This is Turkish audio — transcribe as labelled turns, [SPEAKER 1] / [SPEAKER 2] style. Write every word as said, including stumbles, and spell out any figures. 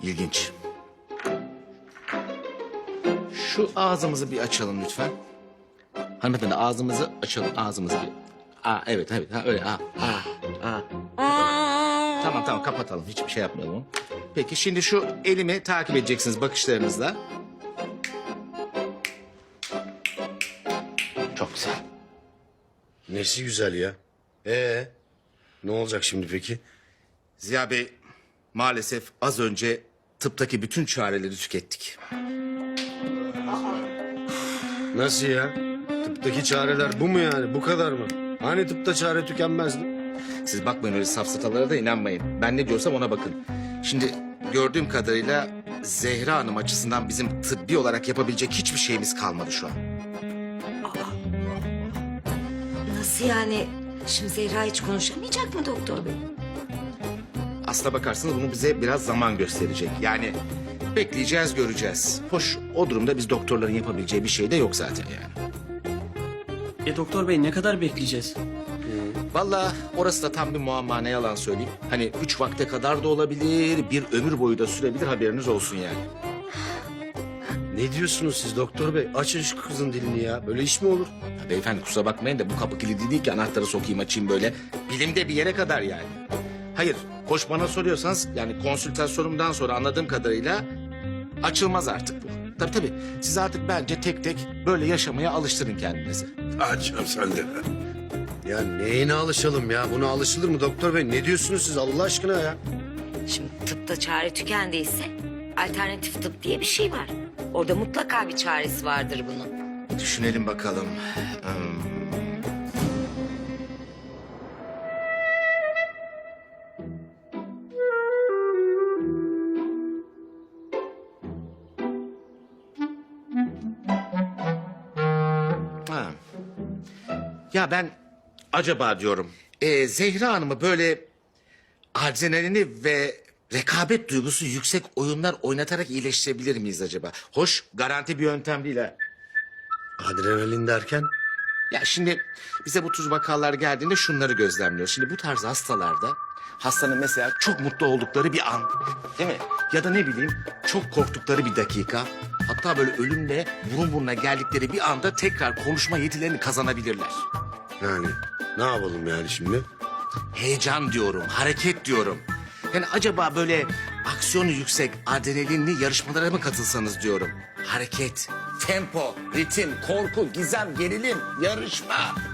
[SPEAKER 1] İlginç. Şu ağzımızı bir açalım lütfen. Hanımefendi ağzımızı açalım, ağzımızı bir... Aa, evet, evet, ha, öyle, aa, aa, aa. Tamam, tamam, kapatalım, hiçbir şey yapmayalım. Peki, şimdi şu elimi takip edeceksiniz bakışlarınızla. Çok güzel.
[SPEAKER 2] Nesi güzel ya? Ee, ne olacak şimdi peki?
[SPEAKER 1] Ziya Bey, maalesef az önce tıptaki bütün çareleri tükettik.
[SPEAKER 2] Nasıl ya? Tıptaki çareler bu mu yani? Bu kadar mı? Hani tıpta çare tükenmezdi?
[SPEAKER 1] Siz bakmayın öyle safsatalara da inanmayın. Ben ne diyorsam ona bakın. Şimdi gördüğüm kadarıyla Zehra Hanım açısından bizim tıbbi olarak yapabilecek hiçbir şeyimiz kalmadı şu an.
[SPEAKER 3] Nasıl yani? Şimdi Zehra hiç konuşamayacak mı doktor bey?
[SPEAKER 1] Aslına bakarsanız bunu bize biraz zaman gösterecek. Yani bekleyeceğiz, göreceğiz. Hoş, o durumda biz doktorların yapabileceği bir şey de yok zaten yani.
[SPEAKER 4] E doktor bey ne kadar bekleyeceğiz?
[SPEAKER 1] Vallahi orası da tam bir muamma, ne yalan söyleyeyim. Hani üç vakte kadar da olabilir, bir ömür boyu da sürebilir, haberiniz olsun yani.
[SPEAKER 2] Ne diyorsunuz siz doktor bey? Açın şu kızın dilini ya. Böyle iş mi olur?
[SPEAKER 1] Ya beyefendi kusura bakmayın da bu kapı kilidi değil ki anahtarı sokayım açayım böyle. Bilimde bir yere kadar yani. Hayır, hoş bana soruyorsanız yani konsültasyonumdan sonra anladığım kadarıyla açılmaz artık bu. Tabii tabii, siz artık bence tek tek böyle yaşamaya alıştırın kendinizi.
[SPEAKER 5] Açım sen de.
[SPEAKER 2] Ya neyine alışalım ya? Buna alışılır mı doktor bey? Ne diyorsunuz siz Allah aşkına ya?
[SPEAKER 3] Şimdi tıpta çare tükendiyse alternatif tıp diye bir şey var. Orada mutlaka bir çaresi vardır bunun.
[SPEAKER 1] Düşünelim bakalım. Hmm. Ha. Ya ben acaba diyorum e, Zehra Hanım'ı böyle adrenalini ve rekabet duygusu yüksek oyunlar oynatarak iyileştirebilir miyiz acaba? Hoş, garanti bir yöntem değil ha.
[SPEAKER 2] Adrenalin derken?
[SPEAKER 1] Ya şimdi bize bu tür vakalar geldiğinde şunları gözlemliyoruz. Şimdi bu tarz hastalarda hastanın mesela çok mutlu oldukları bir an, değil mi? Ya da ne bileyim çok korktukları bir dakika. Hatta böyle ölümle burun buruna geldikleri bir anda tekrar konuşma yetilerini kazanabilirler.
[SPEAKER 2] Yani ne yapalım yani şimdi?
[SPEAKER 1] Heyecan diyorum, hareket diyorum. Yani acaba böyle aksiyonu yüksek, adrenalinli yarışmalara mı katılsanız diyorum. Hareket, tempo, ritim, korku, gizem, gerilim, yarışma.